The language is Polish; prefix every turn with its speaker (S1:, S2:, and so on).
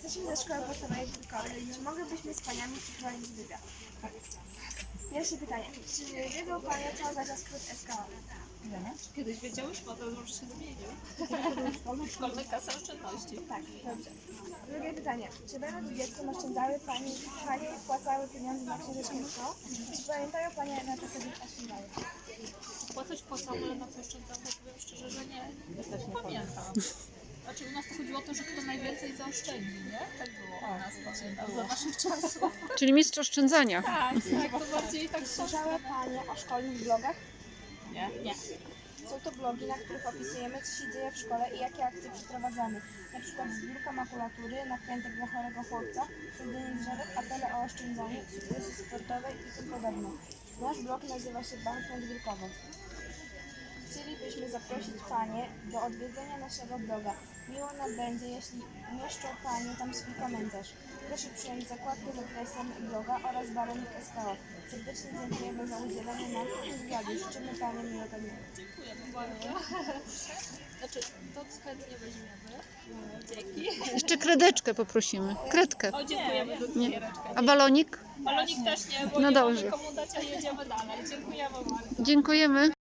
S1: Jesteśmy ze szkoły podstawowej w Wilkowie. Czy mogłybyśmy z paniami przeprowadzić wywiad? Pierwsze pytanie. Czy wiedzą panie, co oznacza skrót SKO?
S2: Kiedyś wiedziałyśmy, a to już się zmienił. Szkolne kasy oszczędności.
S1: Tak, dobrze. Drugie pytanie. Czy będąc dzieckiem oszczędzały panie wpłacały pieniądze na książeczkę SKO? Czy pamiętają panie, na co wtedy oszczędzały?
S2: Płacą, ale na co oszczędzam, to powiem szczerze, że nie pamiętam. Znaczy u nas to chodziło o to, że kto najwięcej zaoszczędzi, nie? Tak było u nas, pamiętam, za naszych czasów.
S3: Czyli mistrz oszczędzania.
S2: Tak, to bardziej tak
S1: Słyszały panie o szkolnych blogach?
S2: Nie.
S1: Są to blogi, na których opisujemy, co się dzieje w szkole i jakie akcje przeprowadzamy. Na przykład zbiórka makulatury, nakrętek dla chorego chłopca, sadzenie drzewek, apele o oszczędzaniu, sukcesy sportowe i tym podobne. Nasz blog nazywa się Bank Wilkowo. Chcielibyśmy zaprosić panie do odwiedzenia naszego bloga. Miło nam będzie, jeśli umieszczą panie tam swój komentarz. Proszę przyjąć zakładkę z adresem bloga oraz baronik SKO. Serdecznie dziękujemy za udzielenie nam wywiadu. Życzymy panie miłego dnia.
S2: Dziękujemy bardzo. Znaczy, to chętnie weźmiemy. Dzięki.
S3: Jeszcze kredeczkę poprosimy. Kredkę.
S2: O, dziękujemy za cukiereczkę.
S3: A balonik?
S2: Balonik też nie, bo
S3: No
S2: nie
S3: dobrze.
S2: mamy komu dać, a jedziemy dalej. Dziękujemy bardzo.
S3: Dziękujemy.